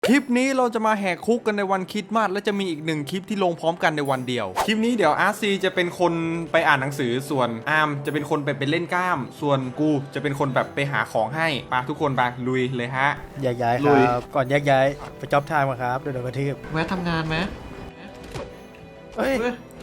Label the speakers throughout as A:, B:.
A: คลิปนี้เราจะมาแหกคุกกันในวันคริสต์มาสและจะมีอีกหนึ่งคลิปที่ลงพร้อมกันในวันเดียวคลิปนี้เดี๋ยวอาร์ซีจะเป็นคนไปอ่านหนังสือส่วนอาร์มจะเป็นคนไปเล่นกล้ามส่วนกูจะเป็นคนแบบไปหาของให้ปะทุกคนไปลุยเลยฮะ
B: แยกย้ายครับก่อนแยกย้ายไปจ็อบไทม์มาครับเดี๋ยวกระทืบ
C: แวะทำงานไหม
B: เฮ้ย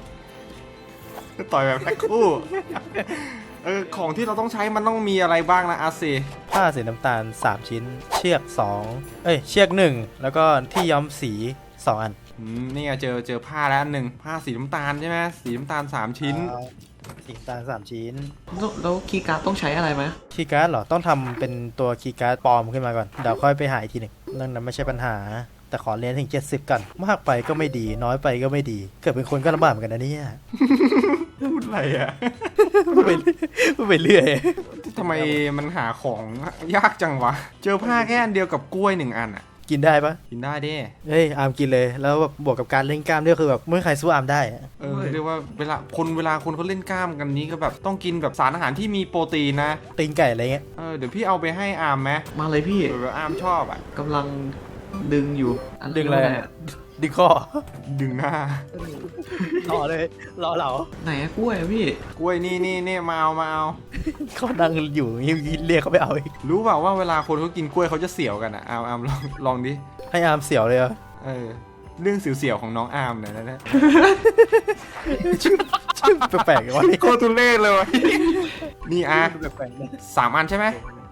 A: ต่อยแบบแพ็คคู่ของที่เราต้องใช้มันต้องมีอะไรบ้างนะอาร์ซี
B: ผ้าสีน้ำตาล3ชิ้นเชือก2เชือก1แล้วก็ที่ย้อมสี2อัน
A: นี่ไงเจอผ้าแล้ว1ผ้าสีน้ำตาลใช่ไหมสีน้ำตาล3ชิ้น
B: สีน้ำตาล3ชิ้น
C: แล้วคีย์การ์ดต้องใช้อะไรไหม
B: คีย์การ์ดเหรอต้องทำเป็นตัวคีย์การ์ดปลอมขึ้นมาก่อนเดี๋ยวค่อยไปหาอีกทีหนึ่งเรื่องนั้นไม่ใช่ปัญหาแต่ขอเรียนถึง70กันมากไปก็ไม่ดีน้อยไปก็ไม่ดีเกิดเป็นคนก็ลำบากเหมือนกันนะเนี่ย
A: พูดอะไรอ่ะ
B: พูดไปเรื่อย
A: ทำไมมันหาของยากจังวะเจอผ้าแค่อันเดียวกับกล้วย1อันอ่ะ
B: กินได้ปะ
A: กินได้ดิ
B: เฮ้ยอาร์มกินเลยแล้วแบบบวกกับการเล่นกล้ามด้วยคือแบบไม่ใครสู้อาร์มได้
A: เรียกว่าเวลาคนเขาเล่นกล้ามกันนี้ก็แบบต้องกินแบบสารอาหารที่มีโปรตีนนะ
B: ตีนไก่อะไรเงี้ย
A: เดี๋ยวพี่เอาไปให้อาร์มไหม
C: มาเลยพี่
A: แบบอาร์มชอบอ่ะ
C: กำลังดึงอยู่
B: ดึงอะไรดึงคอ
A: ดึงหน้าร
B: อเลยรอเหล่า
C: ไหนกล้วยพี่
A: กล้วยนี่มาเอา
B: เขานั่งอยู่เรียกเขาไปเอาอีก
A: รู้เปล่าว่าเวลาคนเขากินกล้วยเขาจะเสียวกันอ่ะอาร์มลองดิ
B: ให้อาร์มเสียวเลยเหรอ
A: เรื่องเสียวๆของน้องอาร์มเนี่ยนะ
B: ชื่อแปลกๆวะ
A: โคตรเล่เลยวะนี่3อันใช่ไหม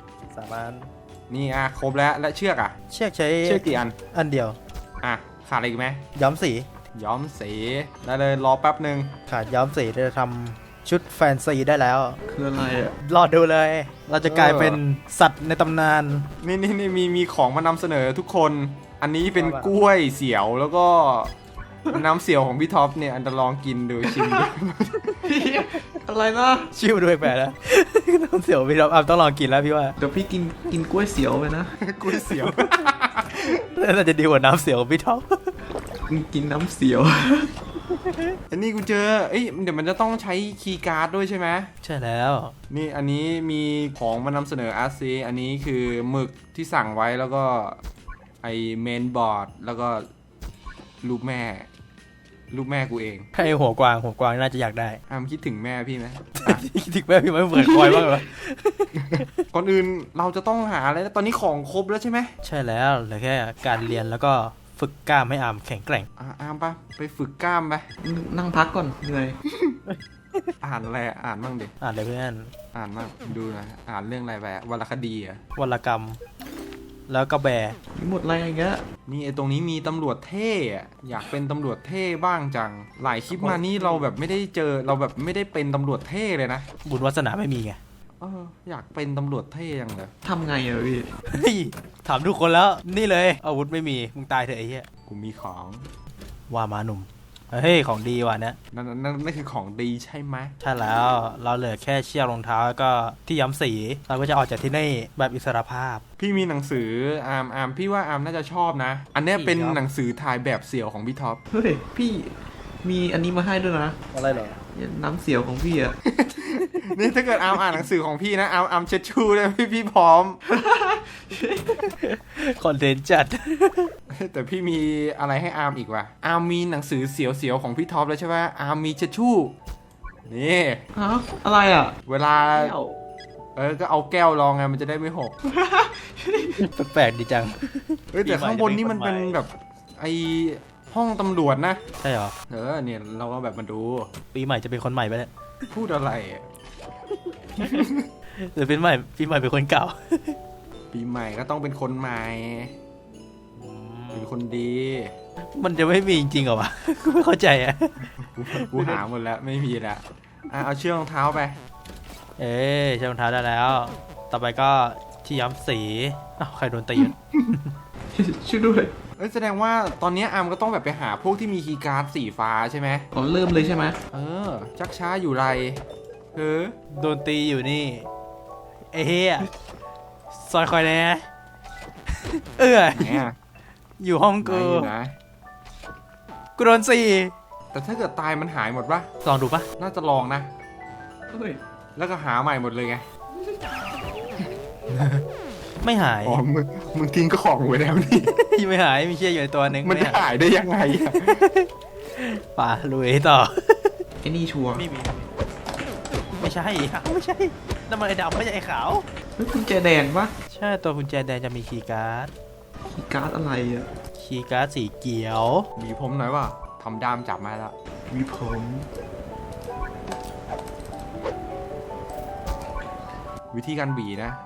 B: 3อัน
A: นี่ครบแล้วและเชือก
B: เชือกใช้
A: กี่
B: อันเดียว
A: ขาดอะไรอีกไหม
B: ย้อมสี
A: ได้เลยรอแป๊บหนึ่ง
B: ขาดย้อมสีจะทำชุดแฟนซีได้แล้ว
C: คืออะไรอ่ะ
B: รอดูเลยเราจะกลายเป็นสัตว์ในตำนาน
A: นี่มีของมานำเสนอทุกคนอันนี้เป็นกล้วยเสียวแล้วก็น้ำเสียวของพี่ท็อปเนี่ยอันจะลองกินดูชิมดู
C: อะไรนะ
B: ชิมด้วยแปลแล้วน้ำเสียวพี่ท็อปต้องลองกินแล้วพี่ว่า
C: เดี๋ยวพี่กินกล้วยเสียวไปนะ
A: กล้วยเสียว
B: น่าจะดีกว่าน้ำเสียวพี่ท็อป
C: กินน้ำเสียว
A: อันนี้กูเจอเดี๋ยวมันจะต้องใช้คีย์การ์ดด้วยใช่ไหม
B: ใช่แล้ว
A: นี่อันนี้มีของมานำเสนออาร์ซีอันนี้คือหมึกที่สั่งไว้แล้วก็ไอเมนบอร์ดแล้วก็รูปแม่กูเอง
B: ให้หัวกวางน่าจะอยากได้
A: คิดถึงแม่พี่ไหม
B: คิดถึงแม่พี่ไหมเหมือนคอยบ้างเหรอ
A: ก่อนอื่นเราจะต้องหาอะไรตอนนี้ของครบแล้วใช่ไหม
B: ใช่แล้วเหลือแค่การเรียนแล้วก็ฝึกกล้ามให้อาร์มแข็งแกร่ง
A: อาร์มไปฝึกกล้ามไป
C: นั่งพักก่อนเหนื่อย
A: อ่านอะไรอ่านบ้างดิ
B: อ่านเลยเพื่อน
A: อ่านบ้างดูนะอ่านเรื่องอะไรไปวรรณคดี
B: วรรณกรรมแล้วก็แบร์
C: หมดอะไรอย่างเงี้ย
A: นี่ตรงนี้มีตำรวจเท่อยากเป็นตำรวจเท่บ้างจังหลายคลิปมานี่เราแบบไม่ได้เจอเราแบบไม่ได้เป็นตำรวจเท่เลยนะ
B: บุญวาสนาไม่มีไง
A: อยากเป็นตำรวจเท่ยังเลย
C: ทำไงอะพี่
B: ถามทุกคนแล้วนี่เลยอาวุธไม่มีมึงตายเถอะไอ้เหี้ย
A: กูมีของ
B: ว่ามาหนุ่มเฮ้ยของดีว่ะเนี่ย
A: นั่นคือของดีใช่ไหม
B: ใช่แล้วเราเหลือแค่เชือกรองเท้าแล้วก็ที่ย้อมสีเราก็จะออกจากที่นี่แบบอิสรภาพ
A: พี่มีหนังสืออาร์มพี่ว่าอาร์มน่าจะชอบนะอันนี้เป็นหนังสือถ่ายแบบเสี่ยวของพี่ท็อป
C: เฮ้ยพี่มีอันนี้มาให้ด้วยนะ
B: อะไรเหรอ
C: น้ำเสียวของพี่อะ
A: นี่ถ้าเกิดอาร์มอ่านหนังสือของพี่นะอาร์มเช็ดชูเลยพี่พร้อม
B: คอนเทนต์จัด
A: แต่พี่มีอะไรให้อาร์มอีกว่ะอาร์มมีหนังสือเสียวๆของพี่ท็อปแล้วใช่ไหมอาร์มมีเช็ดชูนี่
C: อะไรอ่ะ
A: เวลาก็เอาแก้วรองไงมันจะได้ไม่หก
B: แปลกดีจัง
A: แต่ข้างบนนี่มันเป็นแบบไอห้องตำรวจนะ
B: ใช่เหรอ
A: เนี่ยเราก็แบบมาดู
B: ปีใหม่จะเป็นคนใหม่ไปเนี่ย
A: พูดอะไร
B: หรือเป็นใหม่ปีใหม่เป็นคนเก่า
A: ปีใหม่ก็ต้องเป็นคนใหม่เป็นคนดี
B: มันจะไม่มีจริงๆเหรอวะกูไม่เข้าใจ
A: กูหาหมดแล้วไม่มีแล้วเอาเชือกรองเท้าไป
B: เชือกรองเท้าได้แล้วต่อไปก็ที่ย้อมสีใครโดนตี
C: ช่วยด้วย
A: แสดงว่าตอนนี้อาร์มก็ต้องแบบไปหาพวกที่มีคีย์การ์ดสีฟ้าใช่ไหม
C: เริ่มเลยใช่ไหม
A: ชักช้าอยู่ไร
B: โดนตีอยู่นี่เฮียซอยคอยแน่อยู่ห้องกูโดน4
A: แต่ถ้าเกิดตายมันหายหมดปะ
B: ลองดูปะ
A: น่าจะลองนะแล้วก็หาใหม่หมดเลยไง
B: ไม่หาย
A: อ๋อมึงทิ้งของไว้แล้วนี่
B: ไม่หายมีเชี่ยอยู่ในตัวหนึ่ง
A: มันจะ
B: ไ
A: หายได้ยังไงอะ
B: ป่าลุยต่อ
C: ไอ้นี่ชัวร์
B: ไม่มีไม่ใช่ไม่ใช่นั่นมันไอ้ดำไม่ใช่ไอ้ขาว
C: เฮ้ยกุญแจแดงปะ
B: ใช่ตัวกุญแจแดงจะมีคีย์การ์ด
C: คีย์การ์ดอะไรอ่ะ
B: คีย์การ์ดสีเขียว
A: บีผมหน่อยว่าทำดามจับมาแล้ว
C: วิผม
A: วิธีการบีนะ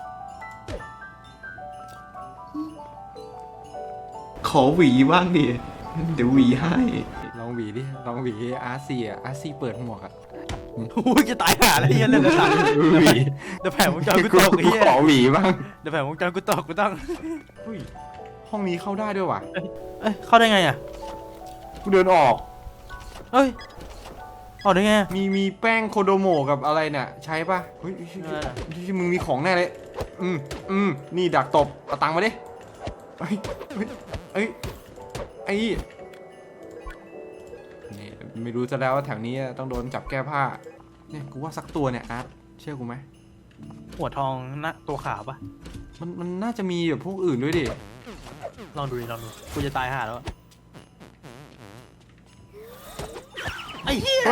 C: ขอหวีบ้างดิเดี๋ยวหวีให้
A: ลองบีดิลองบีอาร์ซีอ่ะอาร์ซีเปิดหมวกอ่ะ
B: โอ้ยจะตายห่าแล้วเฮียเล่นกระสัน
A: บี
B: เดี๋ยวแผงวงจรกูตกไอ้เฮีย
A: ขอบีบ้าง
B: เดี๋ยวแผงวงจรกูตกกูต้อง
A: อุ้ยห้องนี้เข้าได้ด้วยว่ะ
B: เอ้ยเข้าได้ไงอ่ะ
A: กูเดินออก
B: เอ้ยออกได้ไงอะ
A: มีแป้งโคโดโมกับอะไรเนี่ยใช้ป่ะเฮ้ยมึงมีของแน่เลยนี่ดักตบเอาตังค์มาดิเอ้ยไอ้นี่ไม่รู้ซะแล้วว่าแถวนี้ต้องโดนจับแก้ผ้าเนี่ยกูว่าสักตัวเนี่ยอาร์ตเชื่อกูไหม
B: หัวทองหน้าตัวขาวปะ
A: มันน่าจะมีแบบพวกอื่นด้วยดิ
B: ลองดูดิลองดูกูจะตายห่าแล้วอะไอ้เหี้ย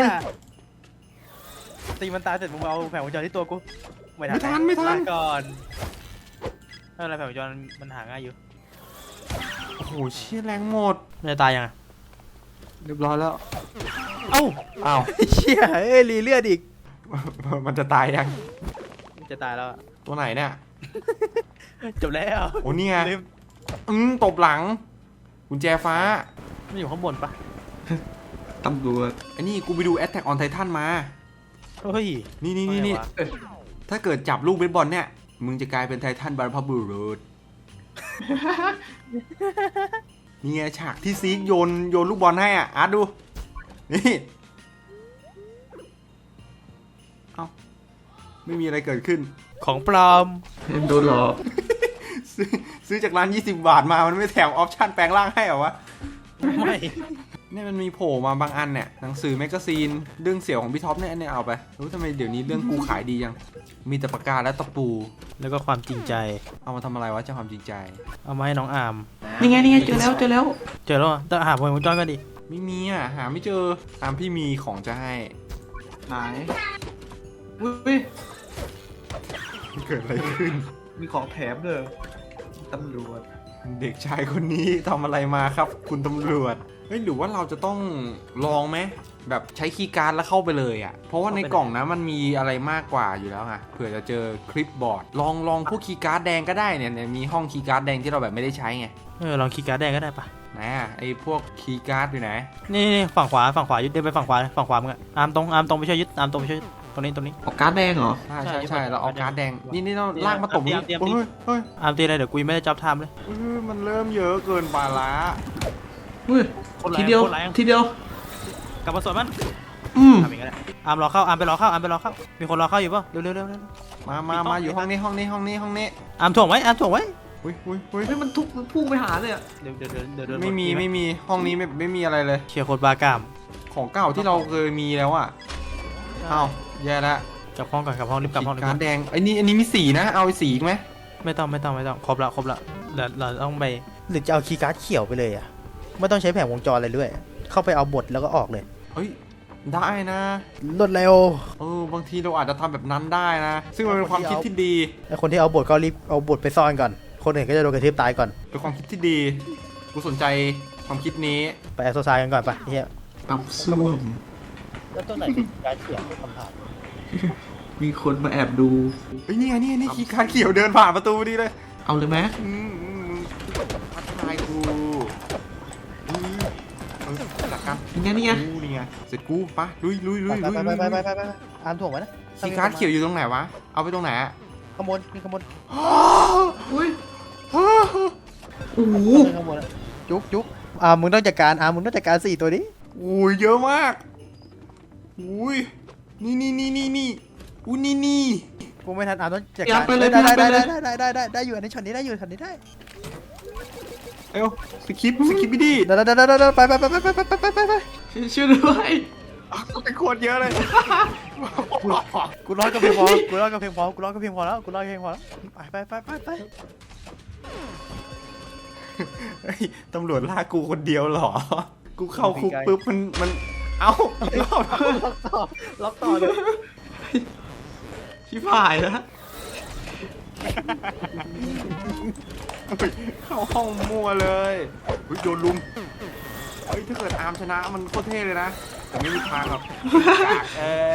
B: ตีมันตายเสร็จมึงเอาแผงวงจรที่ตัวกูไม่ทันลาก่อนไม่เป็นไรแผงวงจรมันหาง่ายอยู่
A: โอ้โหเชี่ยแรงหมด
B: มันจะตายยังไง
A: เรียบร้อยแล้ว
B: เอ้า
A: อ้าว
B: เชี่ยเอ้ยรีเลือดอีก
A: มันจะตายยัง
B: มันจะตายแล้วอะ
A: ตัวไหนเนี่ย
B: จบแล้ว
A: โอ้นี่ไง
B: ลืม
A: ตบหลังกุญแจฟ้า
B: มันอยู่ข้างบนปะ
C: ตำรวจ
A: ไอ้นี่กูไปดู Attack on Titan มา
B: เฮ้ย
A: นี่
B: ว่าไงวะ
A: ถ้าเกิดจับลูกเบสบอลเนี่ย มึงจะกลายเป็นไททันบรรพบุรุษ นี่ไงฉากที่ซีกโยนลูกบอลให้อ่ะ อาร์ตดู นี่ เอ้า ไม่มีอะไรเกิดขึ้น
B: ของปลอม
C: โดนหลอก
A: ซื้อจากร้าน 20 บาทมา มันไม่แถมออปชั่นแปลงร่างให้เหรอวะ
B: ไม่
A: เนี่ยมันมีโผล่มาบางอันเนี่ยหนังสือแมกกาซีนเรื่องเสี่ยวของพี่ท็อปเนี่ยอันนี้เอาไปรู้ทำไมเดี๋ยวนี้เรื่องกูขายดียังมีแต่ปากกาและตะปู
B: แล้วก็ความจริงใจ
A: เอามาทำอะไรวะเจ้าความจริงใจ
B: เอามาให้น้องอาร์ม
C: นี่ไงเจอแล้ว
B: เจอแล้วเหรอแต่หาแผงวงจรกันดิ
A: ไม่มีอ่ะหาไม่เจอตามพี่มีของจะให้
C: ไหนอุ้ย
A: เกิดอะไรขึ้น
C: มีของแถมเลยตำรวจ
A: เด็กชายคนนี้ทำอะไรมาครับ คุณตำรวจเฮ้ยหรือว่าเราจะต้องลองไหมแบบใช้คีย์การ์ดแล้วเข้าไปเลยอ่ะเพราะว่าในกล่องนะมันมีอะไรมากกว่าอยู่แล้วไงเผื่อจะเจอคลิปบอร์ดลองพวกคีย์การ์ดแดงก็ได้เนี่ยมีห้องคีย์การ์ดแดงที่เราแบบไม่ได้ใช้ไง
B: ลองคีย์การ์ดแดงก็ได้ปะ
A: ไหนอ่ะไอพวกคีย์การ์ดอยู่ไหน
B: นี่ฝั่งขวายึดเดินไปฝั่งขวามึงอะอาร์มตรงไปช่วยยึดอาร์มตรงไปช่วยยึดตรงนี้
C: ออกการ์ดแดงเหรอ
A: ใช่เราเอาการ์ดแดงนี่เราลากมาตบ
B: เตรียม
A: เฮ้ย
B: อาร์มตีอะไรเดี๋ยวกูยังไม่ได้จ็อบไทม์เลย
A: มันเริ่มเยอะเกินไปละ
C: อุ้ย ทีเดียว
B: กลับมาสวนมัน
C: อืม
B: ทำอีกแล้วอาร์มรอเข้าอาร์มไปรอเข้ามีคนรอเข้าอยู่ป่ะเร็ว
A: มาอยู่ห้องนี้
B: อาร์มถ่วงไว้
A: อุ้ย
C: เฮ้ยมันพุ่งไปหาเลยอ่ะ
B: เดี๋ยว
A: ไม่มีห้องนี้ไม่มีอะไรเลย
B: เชียร์โคตรบากาม
A: ของเก่าที่เราเคยมีแล้วอ่ะอ้าวแย่ละ
B: กลับห้องก่อนกลับห้องรีบกลับห้อง
A: การ์ดแดงไอ้นี่มีสีนะเอาสีไหม
B: ไม่ต้องครบละเดี๋ยวเราต้องไปหรือจะเอาคีย์การ์ดเขียวไปเลยอ่ะไม่ต้องใช้แผงวงจรอะไรด้วยเข้าไปเอาบทแล้วก็ออกเลย
A: เฮ้ยได้นะ
B: รวดเร็ว
A: บางทีเราอาจจะทำแบบนั้นได้นะ ซึ่งมันเป็นความคิดที่ดี
B: ไอคนที่เอาบทก็รีบเอาบทไปซ่อนก่อนคนอื่นก็จะโดนกระทืบตายก่อน
A: เป็นความคิดที่ดีกูสนใจความคิดนี้
B: ไปแอสโซไซกันก่อนปะเฮีย
C: ตับส้วม
B: แล้วตัวไหนเป็นการเขียนคำถาม
C: มีคนมาแอบดู
A: เฮ้ยนี่ไงนี่คีย์การ์ดเขียวเดินผ่านประตูดีเลย
C: เอาเลยไหม
A: ทักทายกูหลักการ
C: นี่ไง
A: นี่ไงเสร็จกูปะลุย
B: ไปอ่านถ่วงไว้นะ
A: คีย์การ์ดเขียวอยู่ตรงไหนวะเอาไปตรงไหนอะ
B: ขโมยมีขโมย
C: อุ้ยโอ้โห
B: ขโมยจุกมึงต้องจัดการมึงต้องจัดการ4ตัวนี้
A: อุ้ยเยอะมากอุ้ยนี่อุ้ยนี่
B: กูไม่ทันต้องจัดการได้อยู่อันนี้ช็อตนี้ได้อยู่ช็อตนี้ได้
A: เอ้าสคริปต์ไม่ดี
B: ได้ไป
C: ช่วยด้วย
A: เป็นโคตรเยอะเลย
B: กูรอดก็เพียงพอกูรอดก็เพียงพอกูรอดก็เพียงพอแล้วกูรอดก็เพียงพอแล้วไป
A: เฮ้ยตำรวจลากกูคนเดียวเหรอ กูเข้าคุกปุ๊บมันเอ้าล็อกต่อเลย
C: ชิบหายแล้ว
A: เข้าห้องมั่วเลยเฮ้ยโดนลุมเฮ้ยถ้าเกิดอาร์มชนะมันโคตรเท่เลยนะแต่ไม่มีทางหรอกกาก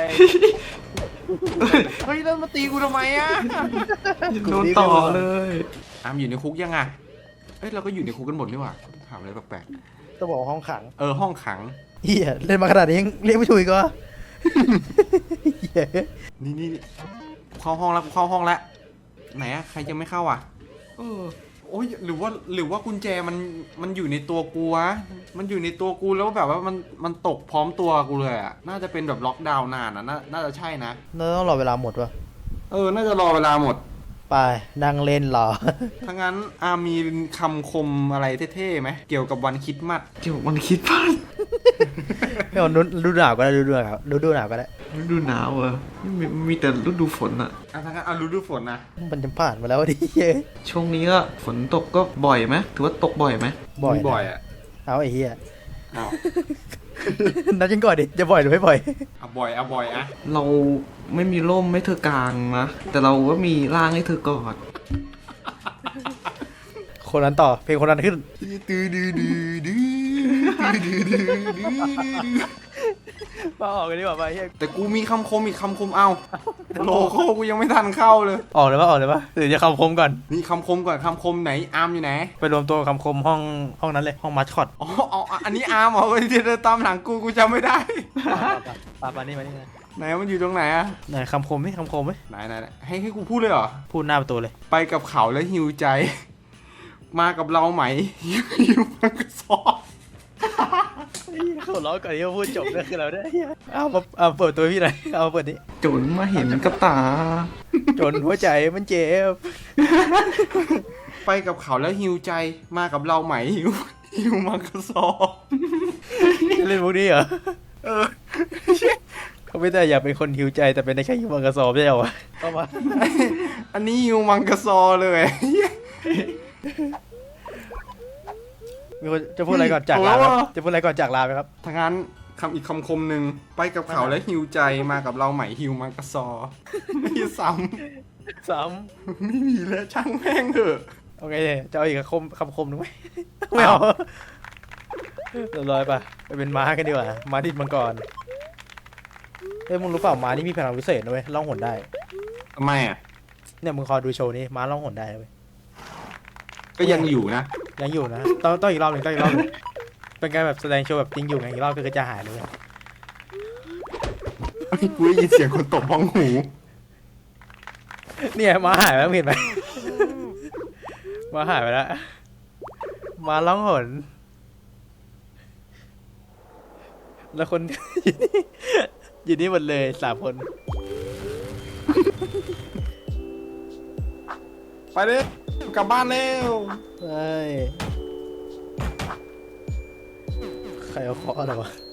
A: เฮ้ยแล้วมาตีกูทำไมอะ
C: โดนต่อเลย
A: อาร์มอยู่ในคุกยังไงเอ้ยเราก็อยู่ในคุกกันหมดนี่หว่าถามอะไรแปลก
B: ต้องบอกห้องขัง
A: ๆห้องขัง
B: เฮียเล่นมาขนาดนี้ยังเรียกไม่ถูกอีกเหรอเหี้ย
A: นี่กูเข้าห้องแล้วกูเข้าห้องแล้วไหนอะใครยังไม่เข้าอ่ะ โอ้ยหรือว่ากุญแจมันอยู่ในตัวกูวะมันอยู่ในตัวกูแล้วแบบว่ามันตกพร้อมตัวกูเลยอ่ะน่าจะเป็นแบบล็อกดาวน์นานอ่ะน่าจะใช่นะ
B: เราต้องรอเวลาหมดวะ
A: น่าจะรอเวลาหมด
B: ไปนั่งเล่นรอ
A: ถ้างั้นอามีคำคมอะไรเท่ๆไหมเกี่ยวกับวันคริสต์มาส
C: เดี๋ยวมันคิดพลาด
B: ไม่เอาฤดูหนาวก็ได้ฤดูหนาวก็ได้
C: ฤดูหนาวอะมีแต่ฤดูฝนอะ
A: ถ้างั้นเอาฤดูฝนนะ
B: มันจะผ่านมาแล้วดิเฮ้ย
C: ช่วงนี้ก็ฝนตกก็บ่อยไหมถือว่าตกบ่อยไหม
B: บ่อย
A: บ่อย
B: นะ
A: อ่ะ
B: เอาไอ้เหี้ย
A: เอา
B: นัดกันก่อนดิจะบ่อยหรือไม่บ่อย
A: เอาบ่อยอ่ะ
C: เราไม่มีร่มให้เธอกลางนะแต่เราก็มีร่างให้เธอกอด
B: คนนั้นต่อเพลงคนนั้นขึ้นมาออกกันดีกว่าไปเฮีย
A: แต่กูมีคำคมอีกคำคมเอาโลโก้กูยังไม่ทันเข้าเลย
B: ออกเลยปะหรือจะคำคมก่อน
A: มีคำคมก่อนคำคมไหนอาร์มอยู่ไหน
B: ไปรวมตัวคำคมห้องนั้นเลยห้องมัสคอต
A: อ๋ออันนี้อาร์มเหรอที่เดินตามหลังกูจำไม่ได้
B: มานี่
A: ไหนมันอยู่ตรงไหนอะ
B: ไหนคำคมไหม
A: ไหนให้กูพูดเลยเหรอ
B: พูดหน้าประตูเลย
A: ไปกับเขาแล้วหิวใจ มากับเราไหมหิวมันก็ซอ
B: เขาล้อก่อนที่จะพูดจบก็คือเราได้เอาเปิดตัวพี่หน่อยเอาเปิดนี้
C: จนมาเห็นกับตา
B: จนหัวใจมันเจ็บ
A: ไปกับเขาแล้วหิวใจ มากับเราไหมหิวมันก็ซอ
B: จะเล่นพวกนี้เหรอ
A: เออ
B: เขาไม่ได้อยากเป็นคนหิวใจแต่เป็นได้แค่หิวมังกรสอบใช่เหรอวะเข้ามา
A: อันนี้หิวมันก็ซอเลย
B: มีคนจะพูดอะไรก่อนจากลาไหมครับจะพูดอะไรก่อนจากลาไหมครับ
A: ถ้างั้นอีกคำคมหนึ่งไปกับเขาแล้วหิวใจมากับเราไหมหิวมันก็ซอไม่ซ้
B: สาม
A: ำไม่มีแล้วช่างแม่งเถอะ
B: โอเคจะเอาอีกคำคมหนึ่งไหมไม่เอาเรียบร้อยป่ะไปเป็นม้ากันดีกว่าม้าดิดมังกรเอ้ยมึงรู้เปล่าม้านี่มีพลังพิเศษนะเว้ยล่องหนได้
A: ทำไมอ่ะ
B: เนี่ยมึงคอยดูโชว์นี้ม้าล่องหนได้นะเว้ย
A: ก็ยังอยู่นะ
B: ยังอยู่นะต้องอีกรอบหนึ่งเป็นการแบบแสดงโชว์แบบจริงอยู่ไงอีกรอบก็จะหายเลยเว้ย
A: กูได้ยินเสียงคนตบบ้องหู
B: เนี่ยม้าหายแล้วเห็นไหมม้าหายไปแล้วม้าล่องหนแล้วคน อยู่นี่หมดเลย3 คน
A: ไปเลยกลับบ้านเร็ว
B: เฮ้ย ใครเอาเคาะอะไรวะ